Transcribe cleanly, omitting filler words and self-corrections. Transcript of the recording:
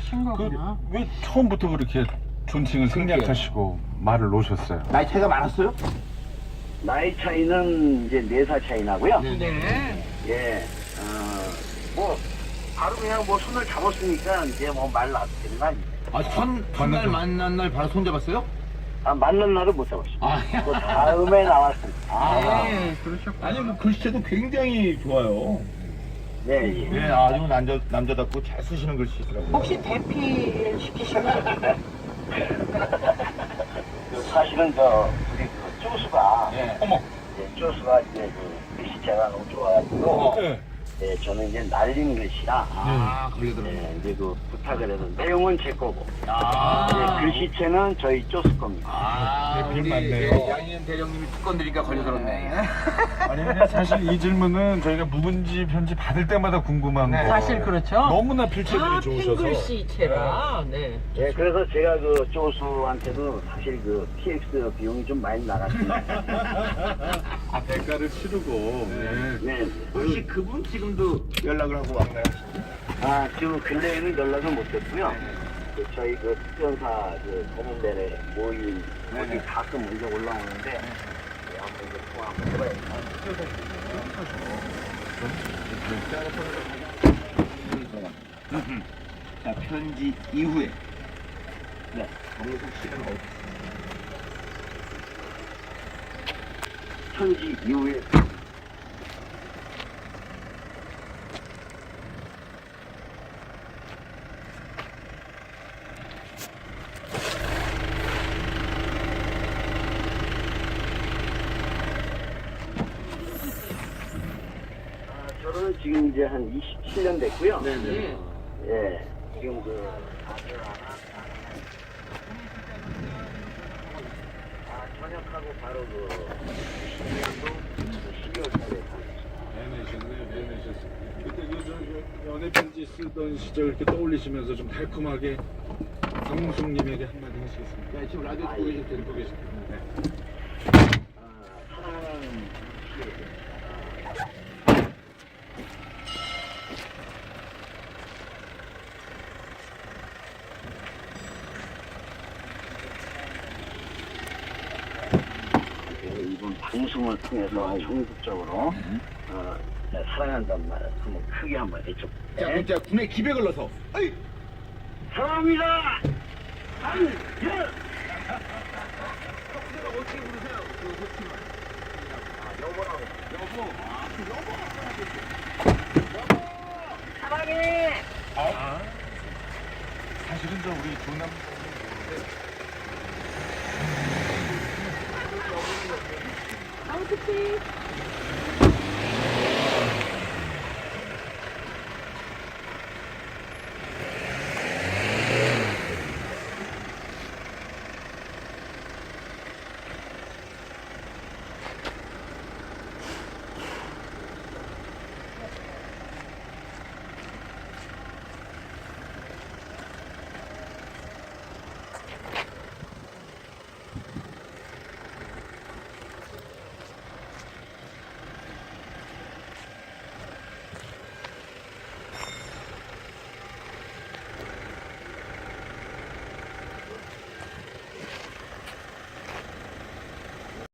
하신 거구나. 왜 처음부터 그렇게 존칭을 생략하시고 말을 놓으셨어요? 나이 차이가 많았어요? 나이 차이는 이제 4살 차이 나고요. 네. 예, 뭐, 바로 그냥 뭐 손을 잡았으니까 이제 뭐 말 놔도 되는 거 아니에요. 아, 첫날 만난 날 바로 손잡았어요? 아, 만난 날은 못 잡았어요. 아, 그 다음에 나왔습니다. 네, 그러셨구나. 아니 뭐 글씨도 굉장히 좋아요. 네, 예. 네, 아주 남자답고 잘 쓰시는 글씨더라고요. 혹시 대피를 시키셨나요? 사실은 우리 그 쪼수가, 네. 어머. 쪼수가 이제 그 글씨체가 너무 좋아가지고, 네. 네, 저는 이제 날린 글씨라, 아, 걸리더라고요. 네, 이제 그 부탁을 해서 내용은 제 거고, 아, 네, 글씨체는 저희 쪼수 겁니다. 아, 대필 우리 맞네요. 양희은 대령님이 특권드리니까 걸려들었네. 아니 근데 사실 이 질문은 저희가 묵은지 편지 받을 때마다 궁금한 네. 거. 사실 그렇죠. 너무나 필체들이 다 좋으셔서. 핑글씨체라. 네. 네, 그래서 제가 그 쪼수한테도 사실 그 PX 비용이 좀 많이 나갔습니다. 아, 대가를 치르고. 네. 네. 혹시 그분 지금도 연락을 하고 왔나요? 아, 지금 근래에는 연락을 못 했고요. 그 저희 그 특전사 그 검은대회 모임 거기 가끔 먼저 올라오는데 네, 한번 이제 통화 한번 해봐야겠다. 자, 편지 이후에 네. 정우석 씨는 어디? 편지 이후에 저는 지금 이제 한 27년 됐고요. 네. 예, 지금 그 아들 하나, 전역하고 바로 그 10년도 12월 달에 배내셨네요, 배내셨어요. 그때 그 연애 편지 쓰던 시절 이렇게 떠올리시면서 좀 달콤하게 강웅숙님에게 한마디 하시겠습니까? 네, 지금 라디오 듣고 계실 텐데. 듣고 계십니다. 네. 사랑하는 이번 방송을 통해서 전국적으로 사랑한다는 말 한번 크게 한번 해줘. 자, 그럼 제가 군에 기백을 넣어서. 아이! 사랑합니다. 예. 어떻게 부르세요? 그 호칭을. 여보라고. 여보. 아, 그 여보. 사랑해. 사실은 저 우리 조남 아우, 그치.